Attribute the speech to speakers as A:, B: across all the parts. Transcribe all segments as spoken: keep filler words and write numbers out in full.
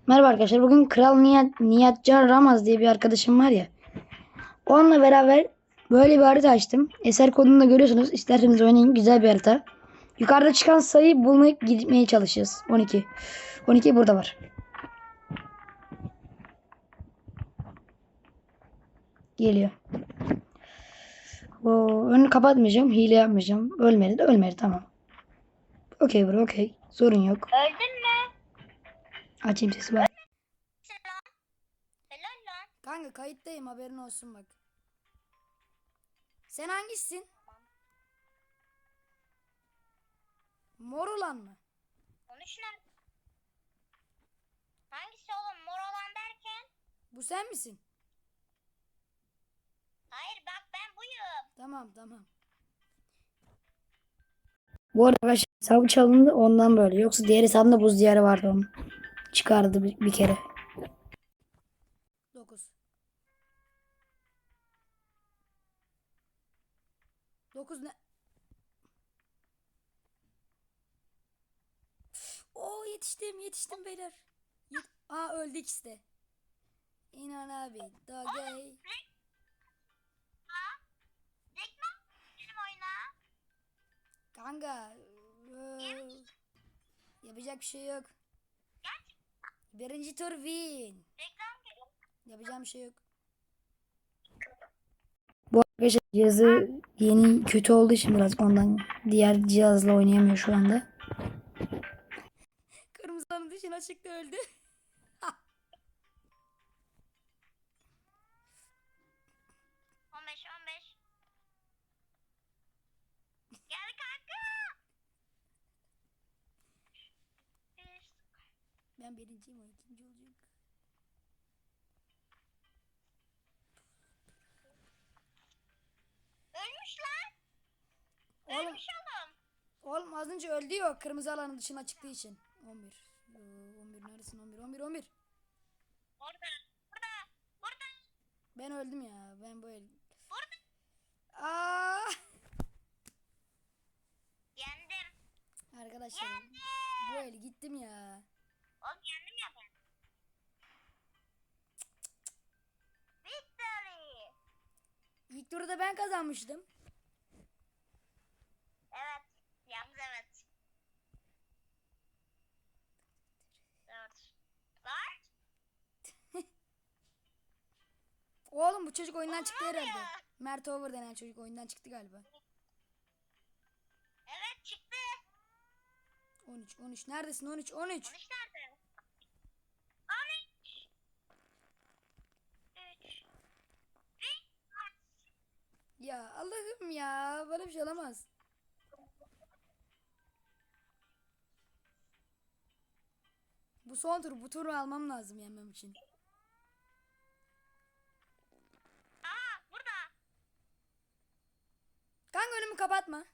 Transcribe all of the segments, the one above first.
A: Merhaba arkadaşlar. Bugün Kral Nihat, Nihatcan Ramaz diye bir arkadaşım var ya. Onunla beraber böyle bir harita açtım. Eser kodunu da görüyorsunuz. İsterseniz oynayın. Güzel bir harita. Yukarıda çıkan sayıyı bulmaya gitmeye çalışacağız. on iki. on iki burada var. Geliyor. Oo, önünü kapatmayacağım. Hile yapmayacağım. Ölmedi de ölmedi. Tamam. Okey bro okey. Sorun yok.
B: Öldün mü?
A: Açayım sesi bak.
B: Selam. Helal lan.
A: Kanka kayıttayım, haberin olsun bak. Sen hangisisin? Mor olan mı?
B: Konuş lan. Hangisi oğlum? Mor olan derken?
A: Bu sen misin?
B: Hayır bak ben buyum.
A: Tamam tamam. Bu arada arkadaşlar hesabı çalındı ondan böyle. Yoksa diğer hesabında buz diyarı vardı onun. Çıkardı bir, bir kere. dokuz. dokuz ne? Oo yetiştim yetiştim beyler. Yet Aa öldü ikisi de. İnan abi. Dogey.
B: Ha? Reklam benim oyuna.
A: Kanka. eee, yapacak bir şey yok. Birinci tur win.
B: Reklam geliyor.
A: Yapacağım bir şey yok. Bu arkadaşlar cihazı yeni kötü olduğu için biraz ondan diğer cihazla oynayamıyor şu anda. Kırmızının dışına çıktı öldü.
B: on beş on beş. Gel kanka. Bir.
A: Ben birinciyim, o ikinci olacak.
B: Ölmüş lan.
A: Oğlum,
B: Ölmüş oğlum.
A: oğlum az önce öldü ya, kırmızı alanın dışına çıktığı için. on bir. Ee, on bir neredesin? on bir on bir on bir.
B: Orada. Burada. Burada.
A: Ben öldüm ya. Ben bu el.
B: Burada.
A: Aa!
B: Yendim.
A: Arkadaşlar
B: Yendim.
A: bu el gittim ya.
B: Oğlum yendim ya ben. Victory.
A: İlk turda ben kazanmıştım.
B: Evet. Yalnız evet. Dört. Dört.
A: Oğlum bu çocuk oyundan
B: Oğlum
A: çıktı
B: ne
A: herhalde.
B: oluyor?
A: Mert Over denen çocuk oyundan çıktı galiba.
B: Evet çıktı.
A: on üç on üç neredesin? on üç on üç.
B: on üç nerede? on üç. üç.
A: Ya Allah'ım ya, böyle bir şey olamaz. Bu son tur, bu turu almam lazım yenmem için.
B: Aa burada.
A: Kanka önümü kapatma.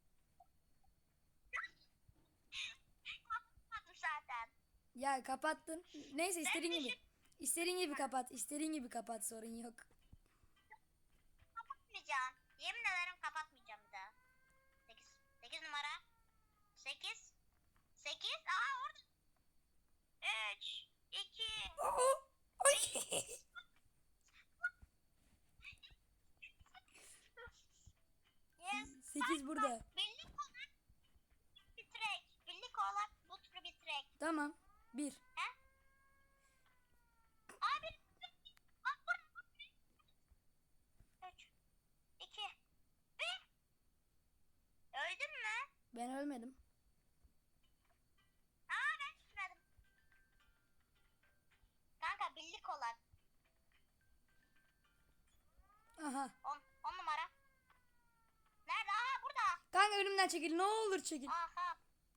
B: Kapatmadım zaten.
A: Ya kapattın. Neyse istediğin
B: Ben
A: gibi.
B: düşün
A: İstediğin gibi kapat. İstediğin gibi kapat, sorun yok.
B: kapatmayacağım. Yemin ederim kapatmayacağım bir daha. sekiz. sekiz numara. sekiz. sekiz. Aa orada. üç. iki.
A: Aa, ay.
B: Yes.
A: sekiz burada.
B: Birlik olarak bitirek. Birlik olarak bu turu bitirek.
A: Tamam. bir.
B: He? Abi. Aa burada. üç. iki. bir. Öldün mü?
A: Ben ölmedim.
B: Aa ben düşmedim. Kanka birlik olarak.
A: Aha.
B: on. on numara. Nerede? Aa burada.
A: Kanka önümden çekil. Ne olur çekil.
B: Aha.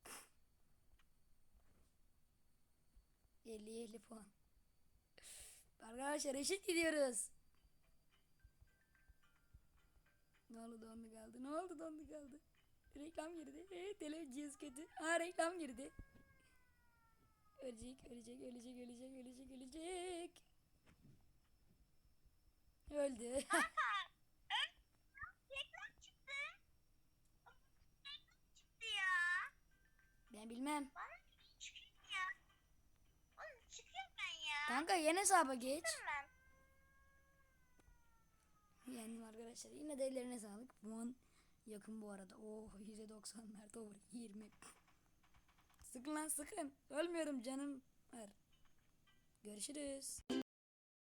A: elli elli puan. Arkadaşlar eşit gidiyoruz. Ne oldu, dondu kaldı. Ne oldu, dondu kaldı. Reklam girdi. Evet, televizyon kötü. Ha, reklam girdi. Ölecek, ölecek, ölecek, ölecek, ölecek, ölecek. Öldü.
B: Kanka. Ön. Reklam çıktı. Reklam çıktı ya.
A: Ben bilmem.
B: Bana çıkıyor ya. Oğlum çıkıyor
A: Kanka yeni hesaba geç.
B: Ben.
A: Yendim arkadaşlar. Yine de ellerine sağlık. Puan yakın bu arada. Oh yüzde doksanlar doğru. yirmi. Sıkın lan sıkın. Ölmüyorum canım. Var. Görüşürüz.